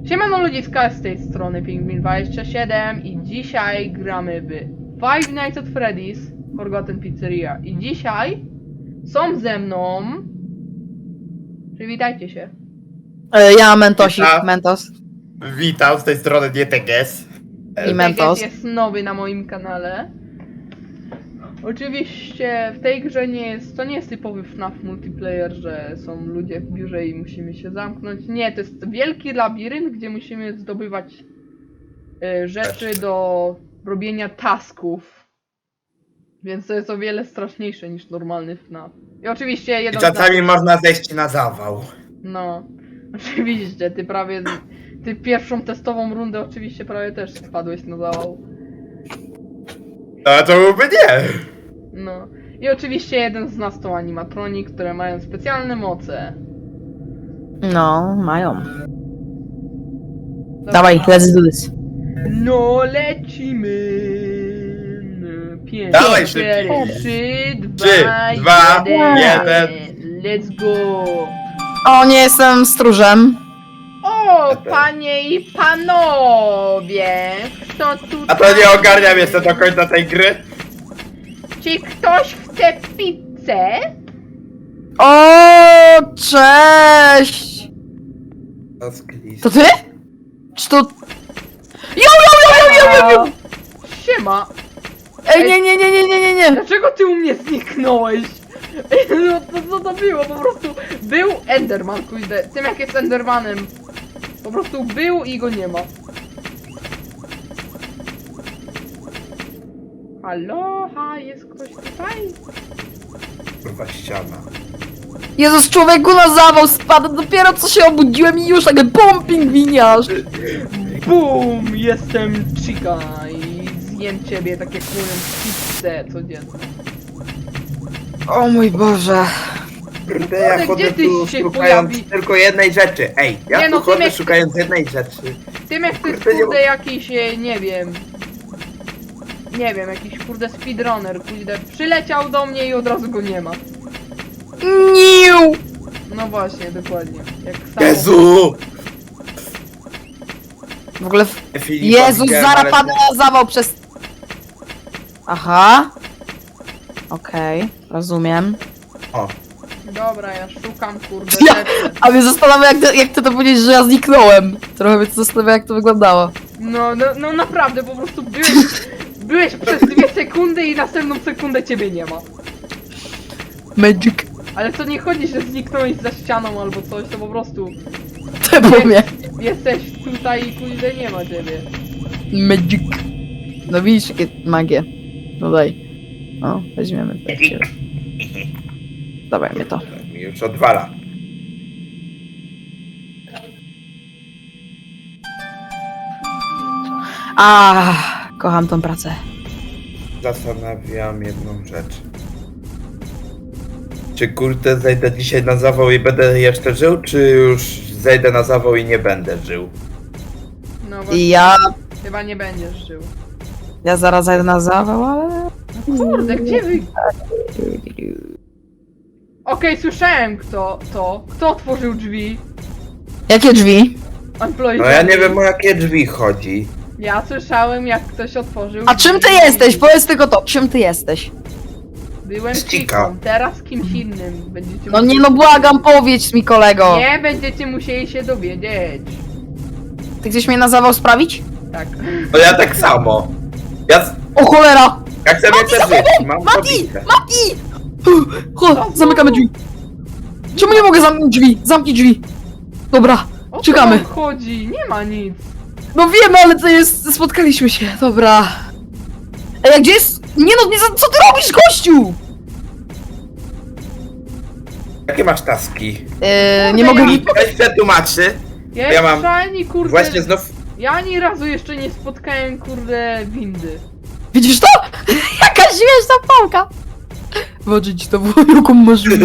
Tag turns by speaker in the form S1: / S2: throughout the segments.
S1: Siemano ludziska, z tej strony Pingwin27 i dzisiaj gramy w Five Nights at Freddy's Forgotten Pizzeria. I dzisiaj są ze mną... Przywitajcie się.
S2: Ja Mentosik,
S3: Witam.
S2: Mentos.
S3: Witam, z tej strony Dieteges.
S2: I Mentos.
S1: jest nowy na moim kanale. Oczywiście w tej grze to nie jest typowy FNAF multiplayer, że są ludzie w biurze i musimy się zamknąć. Nie, to jest wielki labirynt, gdzie musimy zdobywać rzeczy do robienia tasków. Więc to jest o wiele straszniejsze niż normalny FNAF. I oczywiście
S3: I
S1: jedno...
S3: czasami można zejść na zawał.
S1: No, oczywiście, ty pierwszą testową rundę oczywiście prawie też spadłeś na zawał.
S3: No to byłby nie.
S1: No. I oczywiście jeden z nas to animatronik, które mają specjalne moce.
S2: No, mają.
S1: Dobra.
S2: Dawaj, let's do this.
S1: No lecimy. 5,
S3: Dawaj
S1: 4,
S3: szybciej.
S1: 3,
S3: 3,
S1: 2,
S3: 2,
S1: 1. Let's go.
S2: O, nie jestem stróżem.
S1: O, panie i panowie. Kto tutaj?
S3: A to nie ogarniam jeszcze do końca tej gry.
S1: Czy ktoś chce pizzę?
S2: O, cześć! To ty? Czy to... Jo!
S1: Siema.
S2: Ej, nie.
S1: Dlaczego ty u mnie zniknąłeś? No co to było? Po prostu był Enderman, kurde. Tym jak jest Endermanem. Po prostu był i go nie ma. Halo? Jest ktoś tutaj?
S3: Kurwa ściana.
S2: Jezus, człowieku, na zawał spadł. Dopiero co się obudziłem i już tak bum, pingwiniarz.
S1: BUM! Jestem Chica i zjem ciebie tak jak mówię pizzę codziennie.
S2: O mój Boże.
S3: Kurde, ja
S1: Kurde,
S3: chodzę
S1: gdzie ty
S3: tu
S1: się
S3: szukając
S1: pojawi-
S3: tylko jednej rzeczy. Ej, ja
S1: Nie, no,
S3: tu chodzę
S1: Tymek-
S3: szukając jednej rzeczy.
S1: Tym jak to jest
S3: Kurde, nie
S1: kurde
S3: ma-
S1: jakiś, nie wiem. Nie wiem, jakiś kurde speedrunner, kurde, przyleciał do mnie i od razu go nie ma.
S2: Niu!
S1: No właśnie, dokładnie. Jak samo.
S3: Jezu!
S2: W ogóle...
S3: Filipa
S2: Jezus,
S3: widziałem,
S2: zaraz
S3: ale-
S2: padnę na zawał przez... Aha. Okej, rozumiem.
S3: O,
S1: Dobra, ja szukam kurde
S2: Ja-
S1: rzeczy.
S2: A mnie zastanawia, jak ty to powiedzieć, że ja zniknąłem. Trochę mnie to zastanawia, jak to wyglądało.
S1: No naprawdę, po prostu byłeś przez 2 sekundy i następną sekundę ciebie nie ma.
S2: Magic.
S1: Ale to nie chodzi, że zniknąłeś za ścianą albo coś, to po prostu
S2: Ty po mnie.
S1: jesteś tutaj i kurde nie ma ciebie.
S2: Magic. No widzisz, jakie magie. No daj. O, weźmiemy. Dawaj mnie to.
S3: mi już odwala.
S2: Kocham tą pracę.
S3: Zastanawiam jedną rzecz. Czy kurde zejdę dzisiaj na zawał i będę jeszcze żył, czy już zejdę na zawał i nie będę żył?
S1: No właśnie,
S2: I ja
S1: chyba nie będziesz żył.
S2: zaraz zajdę na zawał, ale...
S1: Kurde, gdzie wy... Okej, słyszałem kto otworzył drzwi.
S2: Jakie drzwi?
S1: Employee
S3: No ja nie
S1: drzwi.
S3: wiem o jakie drzwi chodzi.
S1: Ja słyszałem jak ktoś otworzył
S2: A czym ty
S1: drzwi.
S2: jesteś? Powiedz tylko to, czym ty jesteś?
S1: Byłem
S3: Chica.
S1: Chiką, teraz kimś innym będziecie
S2: No nie
S1: musieli-
S2: no, błagam, powiedz mi, kolego.
S1: Nie będziecie musieli się dowiedzieć.
S2: Ty chcesz mnie na zawał sprawić?
S1: Tak.
S3: No ja tak samo.
S2: O cholera!
S3: Ja chcę mieć te drzwi, mam
S2: Mati!
S3: pobite.
S2: Mati! Chodź, zamykamy drzwi. Czemu nie mogę zamknąć drzwi? Zamknij drzwi. Dobra,
S1: O co
S2: czekamy.
S1: wam chodzi? Nie ma nic.
S2: No wiemy, ale to jest... Spotkaliśmy się, dobra. Ej, a gdzie jest... Nie no, co ty robisz, gościu?
S3: Jakie masz taski?
S2: Nie mogę...
S1: ja-
S3: Weź przetłumaczy. Ja mam-
S1: ani kurde...
S3: Właśnie znów...
S1: Ja ani razu jeszcze nie spotkałem kurde windy.
S2: Widzisz to? Jaka śmieszna pałka. Zobaczyć to było jaką maszynę.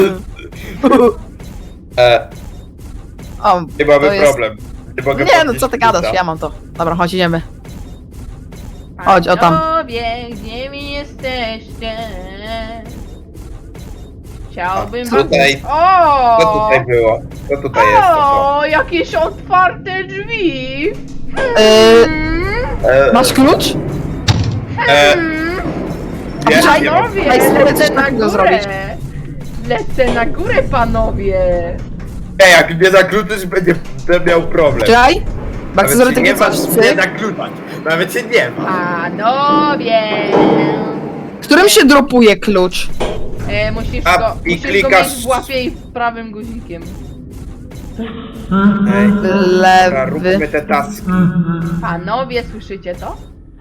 S2: O,
S3: Nie mamy
S2: to jest-
S3: problem. Nie mogę
S2: Nie no,
S3: podnieść
S2: co ty gadasz,
S3: pizza.
S2: ja mam to. Dobra, chodź, idziemy. Chodź, o tam.
S1: Panowie, gdzie wy jesteście? Chciałbym
S3: A, tutaj.
S1: O!
S3: Co tutaj było? Co tutaj jest? To co?
S1: O, jakieś otwarte drzwi!
S2: Masz klucz?
S3: Nie,
S2: Czekaj,
S3: nie
S2: no.
S3: mam.
S1: Panowie,
S2: Daj sobie
S1: lecę
S2: coś
S1: na
S2: takiego
S1: górę!
S2: zrobić.
S1: Lecę na górę, panowie!
S3: Ej, jak mnie zakluczysz, będę miał problem.
S2: Czekaj. Bo chcę zrobić
S3: nie
S2: takie coś.
S3: masz mnie
S2: Cyk.
S3: zakluczać. Nawet się nie ma.
S1: Panowie!
S2: Którym się dropuje klucz?
S1: Musisz
S3: A,
S1: go,
S3: i
S1: musisz go
S3: klikasz-
S1: mieć w łapie i prawym guzikiem.
S3: Ej, dobra, róbmy
S2: Lewy.
S3: te taski.
S1: Panowie, słyszycie to?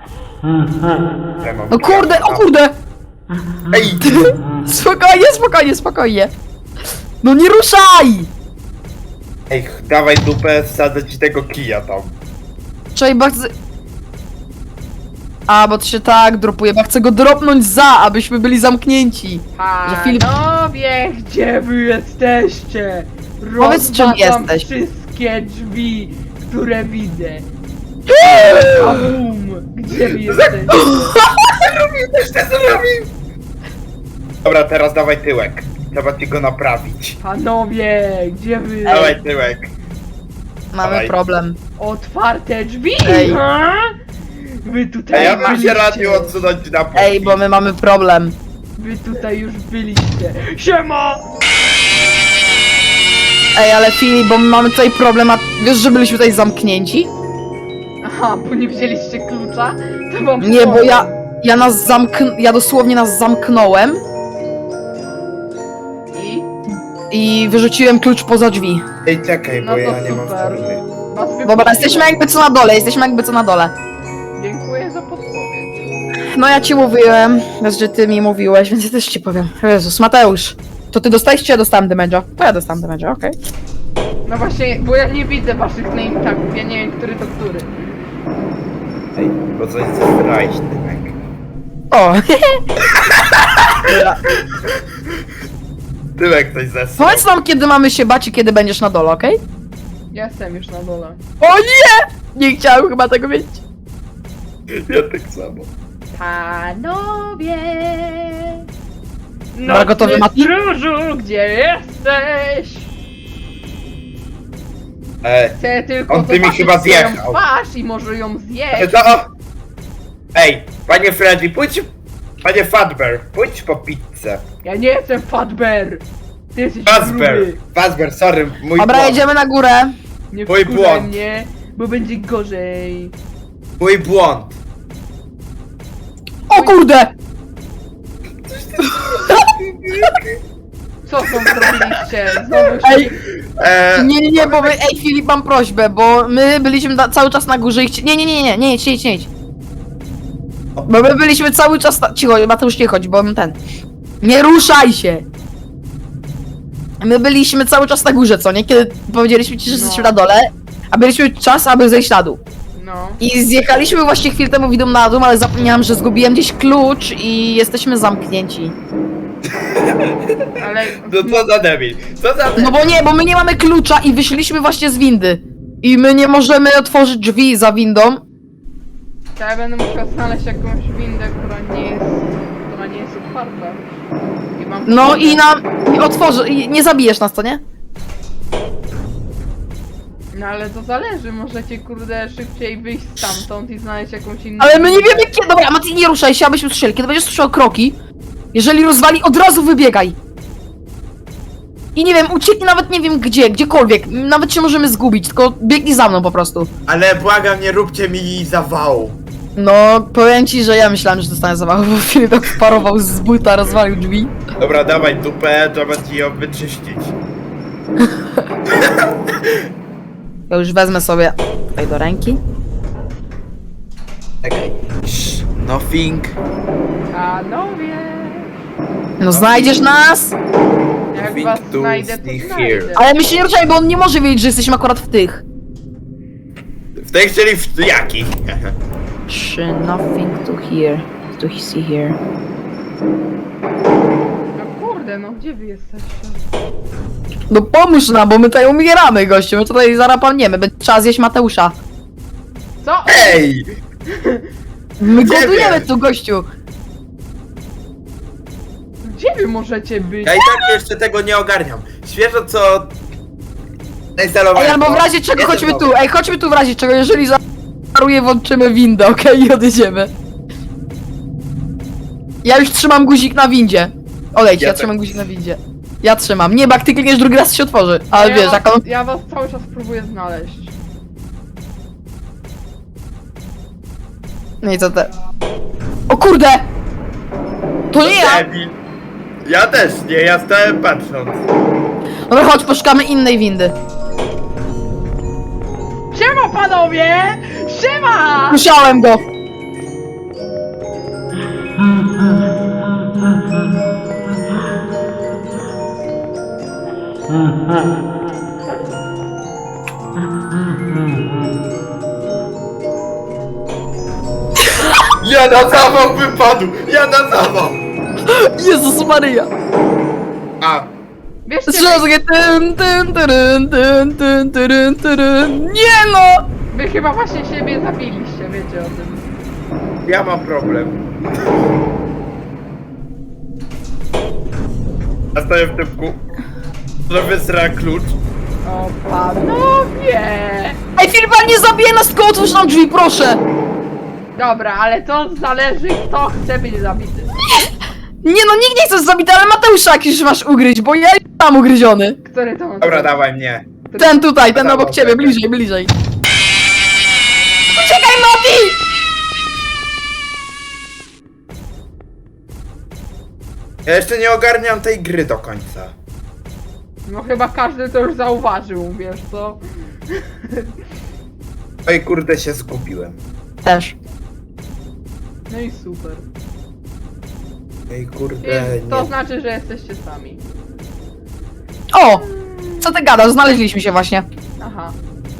S3: Ja mam
S2: No kurde, o kurde!
S3: Ej!
S2: Spokojnie, spokojnie, spokojnie. No nie ruszaj!
S3: Ej, dawaj dupę, wsadzę ci tego kija tam.
S2: Czekaj, bo chcę... A, bo to się tak dropuje, bo chcę go dropnąć abyśmy byli zamknięci. Że Filip-
S1: Panowie, gdzie wy jesteście?
S2: Powiedz, czym
S1: Rozwalam
S2: jesteś.
S1: wszystkie drzwi, które widzę. Kabum! Gdzie wy jesteście?
S3: Też to zrobił! Dobra, teraz dawaj tyłek. Trzeba ci go naprawić.
S1: Panowie, gdzie wy?
S3: Dawaj tyłek.
S2: Mamy
S3: Dawaj.
S2: problem.
S1: Otwarte drzwi!
S2: Ej.
S1: Ha? Wy tutaj
S3: Ej, ja bym się
S1: byliście.
S3: radził odsunąć na pół.
S2: Ej, bo my mamy problem.
S1: Wy tutaj już byliście. Siema!
S2: Ej, ale Filip, bo my mamy tutaj problem, a wiesz, że byliśmy tutaj zamknięci?
S1: Aha, bo nie wzięliście klucza? To wam
S2: Nie, bo
S1: powiem.
S2: ja dosłownie nas zamknąłem
S1: I?
S2: i wyrzuciłem klucz poza drzwi.
S3: Ej, czekaj,
S1: No
S3: bo
S1: to
S3: ja nie mam
S1: super.
S3: formy.
S1: Was
S2: Dobra,
S1: wypuściłem.
S2: jesteśmy jakby co na dole,
S1: Dziękuję za podpowiedź.
S2: No ja ci mówiłem, raz, że ty mi mówiłeś, więc ja też ci powiem. Jezus, Mateusz, to ty dostałeś, czy ja dostałem damage'a? To ja dostałem damage'a, okej.
S1: No właśnie, bo ja nie widzę waszych name tagów, ja nie wiem, który to który.
S3: Ej, bo coś zesrałeś, tyłek.
S2: O,
S3: Tyłek coś zesrał.
S2: powiedz nam, kiedy mamy się bać i kiedy będziesz na dole, okej?
S1: Ja jestem już na dole.
S2: O nie! Nie chciałem chyba tego wiedzieć.
S3: Ja tak samo.
S1: Panowie!
S2: Dobra, gotowy,
S1: Nocny
S2: Mati?
S1: stróżu, gdzie jesteś? Chcę tylko
S3: On ty mi
S1: zobaczyć
S3: chyba
S1: twoją
S3: zjechał.
S1: twarz i może ją zjeść.
S3: To... Ej, panie Freddy, pójdź... Panie Fatbear, pójdź po pizzę.
S1: Ja nie jestem Fatbear! Ty jesteś
S3: Fazbear,
S1: gruby.
S3: Fazbear, sorry, mój
S2: Dobra,
S3: błąd.
S2: jedziemy na górę.
S1: Nie
S3: Mój
S1: wkurzaj
S3: błąd.
S1: mnie, bo będzie gorzej.
S3: Mój błąd.
S2: O kurde!
S1: Co tam zrobiliście? Znowu się...
S2: Ej, nie, bo my, ej Filip, mam prośbę, bo my byliśmy cały czas na górze i nie, idź. Bo my byliśmy cały czas cicho, Mateusz, nie chodź, bo ten... Nie ruszaj się! My byliśmy cały czas na górze, co nie? Kiedy powiedzieliśmy ci, że
S1: No.
S2: jesteśmy na dole, a byliśmy czas, aby zejść na dół.
S1: No.
S2: I zjechaliśmy właśnie chwilę temu widą na dół, ale zapomniałam, że zgubiłem gdzieś klucz i jesteśmy zamknięci.
S1: Ale...
S3: No co za debil, co za debil.
S2: No bo nie, bo my nie mamy klucza i wyszliśmy właśnie z windy. I my nie możemy otworzyć drzwi za windą.
S1: To ja będę musiał znaleźć jakąś windę, która nie jest otwarta. I mam
S2: No i otworzy, i nie zabijesz nas, co nie?
S1: No ale to zależy, możecie kurde szybciej wyjść stamtąd i znaleźć jakąś inną...
S2: Ale my nie wiemy kiedy. Dobra, Mati, nie ruszaj się, abyśmy słyszeli. Kiedy będziesz słyszał kroki, jeżeli rozwali, od razu wybiegaj. I nie wiem, ucieknij nawet nie wiem gdzie, gdziekolwiek. Nawet się możemy zgubić, tylko biegnij za mną po prostu.
S3: Ale błagam, nie róbcie mi zawału.
S2: No, powiem ci, że ja myślałem, że dostanę zawału, bo Filip tak wparował z buta, rozwalił drzwi.
S3: Dobra, dawaj dupę, trzeba ci ją wyczyścić.
S2: Ja już wezmę sobie tutaj do ręki.
S3: Czekaj. Nothing.
S1: Panowie!
S2: No znajdziesz nas?
S1: Jak
S3: Nothing
S1: was
S3: to
S1: znajdę, to
S3: see
S1: znajdę.
S3: here.
S2: Ale my się nie ruszaj, bo on nie może wiedzieć, że jesteśmy akurat w tych.
S3: W tej chcieli w jakich?
S2: Nothing to hear. To see here.
S1: No kurde, no gdzie wy jesteście?
S2: No pomóż nam, bo my tutaj umieramy, gościu. My tutaj zaraz padniemy. Trzeba zjeść Mateusza.
S1: Co?
S3: Ej!
S2: My
S3: Gdzie
S2: głodujemy
S3: wiesz?
S2: tu, gościu.
S1: Gdzie wy możecie być?
S3: Ja i tak jeszcze tego nie ogarniam. Świeżo co... Zainstalowałem
S2: Ej, albo w
S3: to.
S2: razie czego
S3: Jestem
S2: chodźmy
S3: nowy.
S2: tu. Ej, chodźmy tu w razie czego, jeżeli za... wysmaruję, włączymy windę, okej? I odjedziemy. Ja już trzymam guzik na windzie. Odejdź,
S3: Ja
S2: ja
S3: tak.
S2: trzymam guzik na windzie. Ja trzymam. Nie, bo jak ty klikniesz drugi raz się otworzy. Ale
S1: ja
S2: wiesz,
S1: was,
S2: jak on...
S1: Ja was cały czas próbuję znaleźć.
S2: No i co te... O kurde! To nie ja!
S3: Debil. Ja też nie, ja stałem patrząc.
S2: Dobra, chodź, poszukamy innej windy.
S1: Siema panowie! Siema!
S2: Musiałem go!
S3: Ja na zawał wypadł! Ja na zawał!
S2: Jezus Maryja!
S3: A,
S1: Wiesz,
S2: Słyszę takie tyn, tyn, tyryn, tyn, tyn, tyryn, tyryn. Nie no!
S1: wy chyba właśnie siebie zabiliście, wiecie o tym.
S3: ja mam problem. Ja stoję w typku. Że wysra klucz.
S1: O panowie!
S2: Ej, Filipa, nie zabije nas, tylko otwórz nam drzwi, proszę!
S1: Dobra, ale to zależy kto chce być zabity.
S2: Nie no, nikt nie chce zabity, ale Mateusza jakiś masz ugryźć, bo ja mam ugryziony.
S1: Który to ma?
S3: Dobra, dawaj mnie.
S2: Ten tutaj, ten
S3: Dobra,
S2: obok ciebie,
S3: dobra.
S2: bliżej, bliżej. Uciekaj, Mati!
S3: Ja jeszcze nie ogarniam tej gry do końca.
S1: No chyba każdy to już zauważył, wiesz co?
S3: Oj kurde, się zgubiłem.
S2: Też.
S1: No i super.
S3: Ej kurde,
S1: I to
S3: nie.
S1: znaczy, że jesteście sami.
S2: O! Co ty gadasz? Znaleźliśmy się właśnie.
S1: Aha.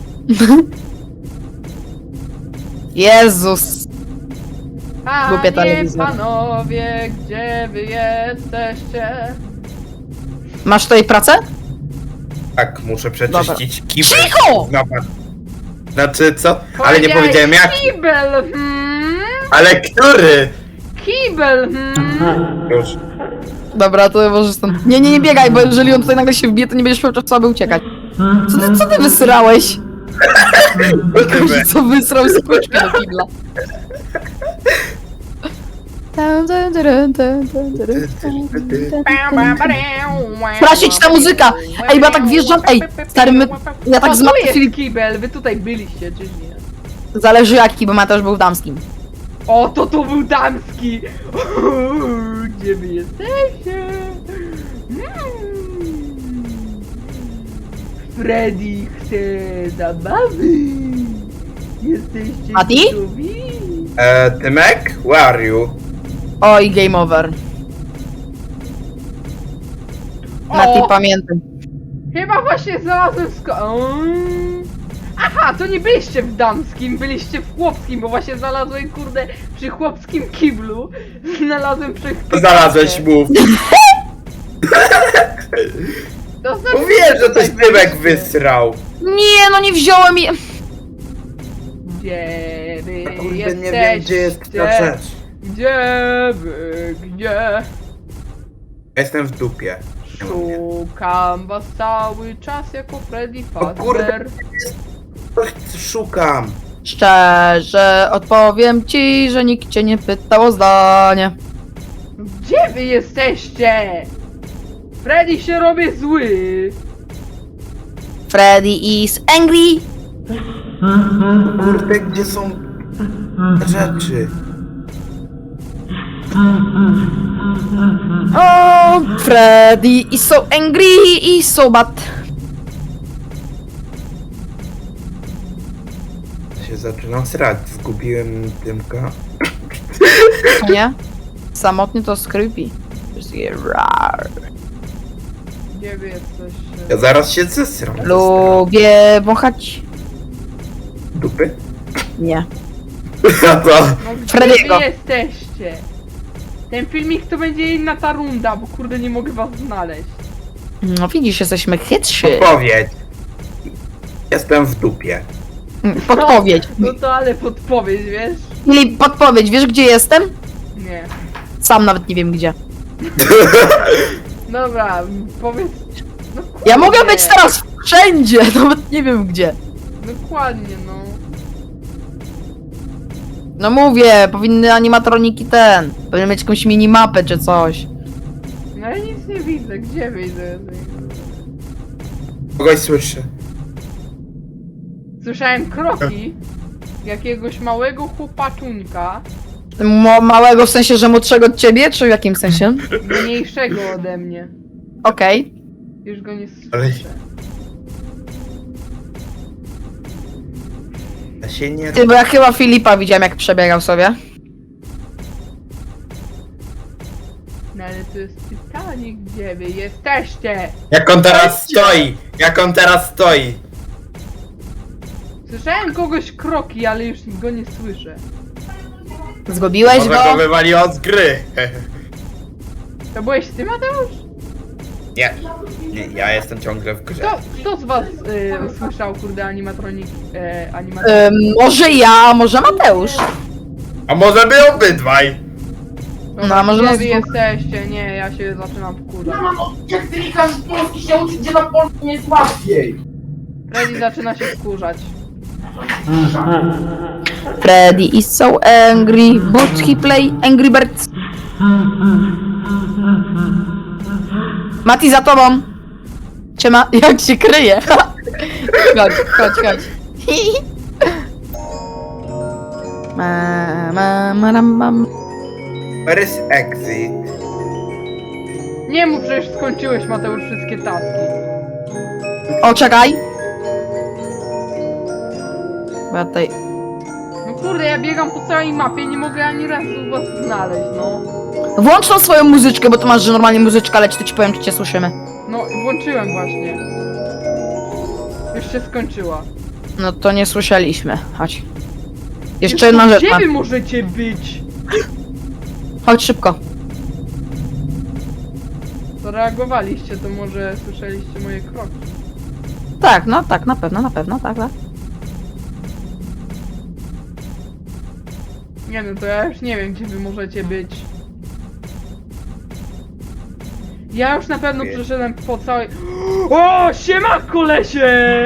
S2: Jezus. Głupia
S1: Panie,
S2: telewizja.
S1: panowie, gdzie wy jesteście?
S2: Masz tutaj pracę?
S3: Tak, muszę przeczyścić kibel.
S2: Cicho!
S3: Napad. Znaczy co? Ale nie
S1: Powiedziałeś
S3: powiedziałem jak.
S1: Kibel,
S3: Ale który?
S1: Kibel,
S3: Już.
S2: Dobra, to możesz stąd... Nie, nie biegaj, bo jeżeli on tutaj nagle się wbije, to nie będziesz miał czasu, aby uciekać. Co ty wysrałeś? Każdy co wysrał z kółeczka do kibla. Prasić ta muzyka! Ej, bo ja tak wjeżdżam, ej, stary, ja tak z
S1: Tu
S2: Matą
S1: jest
S2: Filip...
S1: kibel, wy tutaj byliście, czy nie?
S2: Zależy jaki, bo Mateusz był w damskim.
S1: O, to był damski! Gdzie wy jesteście? Freddy chce zabawy! Jesteście
S2: A ty?
S1: gotowi?
S3: Tymek? Where are you?
S2: Oj, game over. Mati,
S1: O!
S2: pamiętam.
S1: Chyba właśnie znalazłem Aha, to nie byliście w damskim, byliście w chłopskim, bo właśnie znalazłem, kurde, przy chłopskim kiblu. Znalazłem przy...
S3: Znalazłeś mów.
S1: To znaczy,
S3: Mówiłem, że
S1: tutaj
S3: coś Tymek
S1: byliście.
S3: wysrał.
S2: Nie, no nie wziąłem je...
S1: Gdzie wy
S3: Kurde,
S1: jesteście?
S3: nie wiem gdzie jest ta rzecz.
S1: Gdzie wy, gdzie?
S3: Ja jestem w dupie.
S1: Szukam was cały czas jako Freddy
S3: O kurde.
S1: Fazbear.
S3: Szukam.
S2: Szczerze odpowiem ci, że nikt cię nie pytał o zdanie.
S1: Gdzie wy jesteście? Freddy się robi zły.
S2: Freddy is angry.
S3: Kurde, gdzie są rzeczy?
S2: Oh, Freddy is so angry i so bad.
S3: Się zaczynam srać. Zgubiłem Tymka.
S2: Nie? Samotnie to creepy. Just get rar.
S1: Gdzie wy jesteście?
S3: Ja zaraz się zesram.
S2: Lubię wąchać.
S3: Dupy?
S2: Nie.
S3: Ja to.
S1: No gdzie
S2: Freddy'ego.
S1: wy jesteście? Ten filmik to będzie inna ta runda, bo kurde nie mogę was znaleźć.
S2: No widzisz, jesteśmy chytrzy.
S3: Podpowiedź. Jestem w dupie.
S2: Podpowiedź.
S1: No to ale podpowiedź, wiesz?
S2: Filip, podpowiedź, wiesz gdzie jestem?
S1: Nie.
S2: Sam nawet nie wiem gdzie.
S1: Dobra, powiedz... No
S2: Ja mogę
S1: kurde.
S2: być teraz wszędzie, nawet nie wiem gdzie.
S1: Dokładnie, no.
S2: No mówię, powinny animatroniki powinny mieć jakąś minimapę czy coś.
S1: No ja nic nie widzę, gdzie widzę?
S3: Kogoś słyszę.
S1: Słyszałem kroki jakiegoś małego chłopaczunka,
S2: Małego w sensie, że młodszego od ciebie, czy w jakim sensie?
S1: mniejszego ode mnie.
S2: Okej.
S1: Już go nie słyszę.
S3: Ale- Ja się nie...
S2: Ty, bo ja chyba Filipa widziałem jak przebiegał sobie.
S1: No ale to jest pytanie, gdzie wy jesteście?
S3: Jak on teraz stoi! Jak on teraz stoi!
S1: Słyszałem kogoś kroki, ale już go nie słyszę.
S2: Zgubiłeś
S3: Może
S2: go?
S3: go wywaliło z gry.
S1: To byłeś ty, Mateusz?
S3: Nie. Nie, ja jestem ciągle w grze.
S1: Kto z was usłyszał, kurde, animatronik?
S2: Może ja, może Mateusz.
S3: A może my obydwaj?
S2: No, a może
S1: gdzie
S2: nas
S1: wy
S2: dwóch?
S1: jesteście? Nie, ja się zaczynam wkurzać.
S4: Jak ty mi każdy polski się uczy, gdzie na polskim jest łatwiej.
S1: Freddy zaczyna się wkurzać.
S2: Freddy is so angry, but he play Angry Birds. Mati za tobą. Siema, jak się kryje. Chodź, chodź, chodź. Mam.
S3: Where is exit?
S1: Nie mów, że już skończyłeś, Mateusz, wszystkie taski.
S2: O, czekaj. Bo ja tutaj...
S1: No kurde, ja biegam po całej mapie, nie mogę ani razu was znaleźć, no.
S2: Włącz tą swoją muzyczkę, bo tu masz, że normalnie muzyczka leci, to ci powiem, czy cię słyszymy.
S1: No, włączyłem właśnie. Już się skończyła.
S2: No to nie słyszeliśmy. Chodź. Jeszcze jedna rzecz.
S1: Gdzie wy możecie być?
S2: Chodź szybko.
S1: Zareagowaliście, to może słyszeliście moje kroki.
S2: Tak, no tak, na pewno, tak, tak.
S1: Nie no, to ja już nie wiem, gdzie wy możecie być. Ja już na pewno
S3: Wie.
S1: przeszedłem po całej... O, siema kolesie!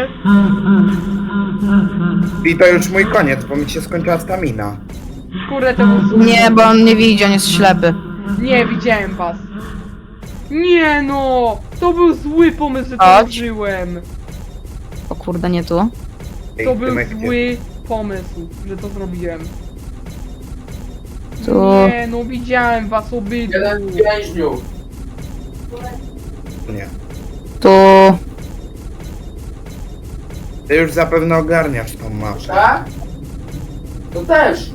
S3: I to już mój koniec, bo mi się skończyła stamina.
S1: Kurde, to był zły.
S2: Nie, bo on nie widzi, on jest ślepy.
S1: Nie, widziałem was. Nie no! To był zły pomysł, że to
S2: Chodź.
S1: użyłem.
S2: O kurde, nie tu.
S3: Ej,
S1: To był
S3: Tymek, gdzie-
S1: zły pomysł, że to zrobiłem.
S2: Tu.
S1: Nie no, widziałem was obydwu.
S4: Jeden więźniów.
S3: Nie.
S2: Tu.
S3: Ty już zapewne ogarniasz tą mapę.
S4: Tak? To też.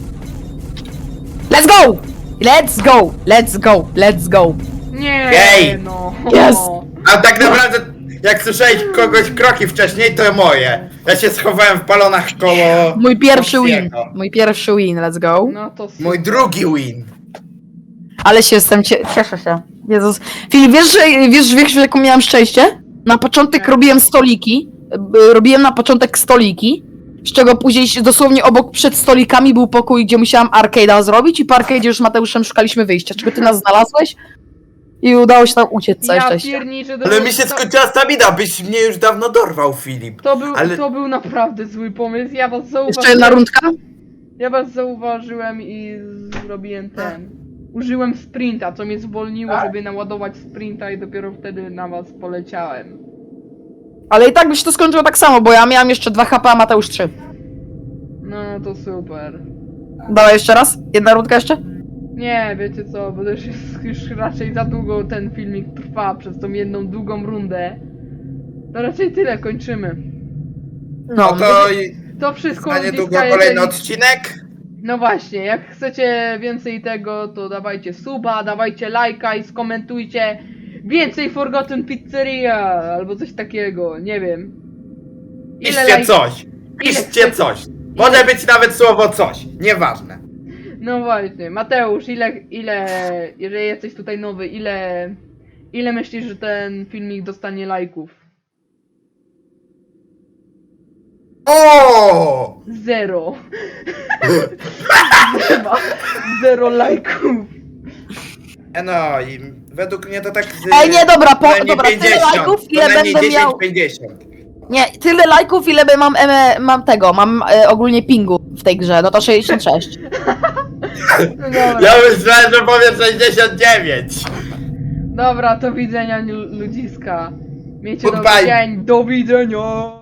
S2: Let's go! Let's go! Let's go! Let's go!
S1: Nie
S3: Jej!
S1: no.
S2: Jest.
S3: A tak naprawdę, jak słyszałeś kogoś kroki wcześniej, to moje. Ja się schowałem w balonach koło...
S2: Mój pierwszy win.
S3: Foxiego.
S2: Mój pierwszy win, let's go.
S1: No to super.
S3: Mój drugi win.
S2: Ale się jestem, cieszę się. Jezus. Filip, wiesz, jaką miałem szczęście? Na początek
S1: Nie.
S2: robiłem stoliki. Robiłem na początek stoliki. Z czego później dosłownie obok przed stolikami był pokój, gdzie musiałam arcade'a zrobić i po arcade'zie już z Mateuszem szukaliśmy wyjścia. Czego ty nas znalazłeś? I udało się tam uciec, całe
S1: Ja
S2: szczęście.
S1: pierniczę,
S3: Ale mi się skończyła stamina, byś mnie już dawno dorwał, Filip. ale-
S1: To był naprawdę zły pomysł, ja was zauważyłem.
S2: Jeszcze jedna rundka?
S1: Ja was zauważyłem i zrobiłem ten. Użyłem sprinta, co mnie zwolniło, żeby naładować sprinta i dopiero wtedy na was poleciałem.
S2: Ale i tak by się to skończyło tak samo, bo ja miałem jeszcze 2 HP, a Mateusz 3.
S1: No to super.
S2: Dawaj jeszcze raz? Jedna rundka jeszcze?
S1: Nie, wiecie co, bo też jest już raczej za długo ten filmik trwa przez tą jedną długą rundę. To raczej tyle, kończymy.
S3: No to i
S1: To wszystko
S3: za niedługo
S1: uzyska,
S3: kolejny
S1: jeżeli-
S3: odcinek.
S1: No właśnie, jak chcecie więcej tego, to dawajcie suba, dawajcie lajka i skomentujcie więcej Forgotten Pizzeria albo coś takiego, nie wiem.
S3: Piszcie coś. Piszcie
S1: chcecie?
S3: coś. Może być nawet słowo coś. Nieważne.
S1: No właśnie, Mateusz, jeżeli jesteś tutaj nowy, ile myślisz, że ten filmik dostanie lajków?
S3: O!
S1: 0. Nie ma 0 lajków.
S3: No i według mnie to tak z...
S2: Ej, nie, dobra,
S3: co najmniej
S2: dobra, tyle
S3: 50,
S2: lajków,
S3: co
S2: ile
S3: najmniej
S2: będę miał...
S3: 10-50.
S2: Nie, tyle lajków, ile mam mam ogólnie pingu w tej grze, no to 66.
S1: No dobra.
S3: Ja myślałem, że powiem 69.
S1: Dobra, do widzenia ludziska. Miejcie
S3: Goodbye.
S1: dobry dzień, do widzenia!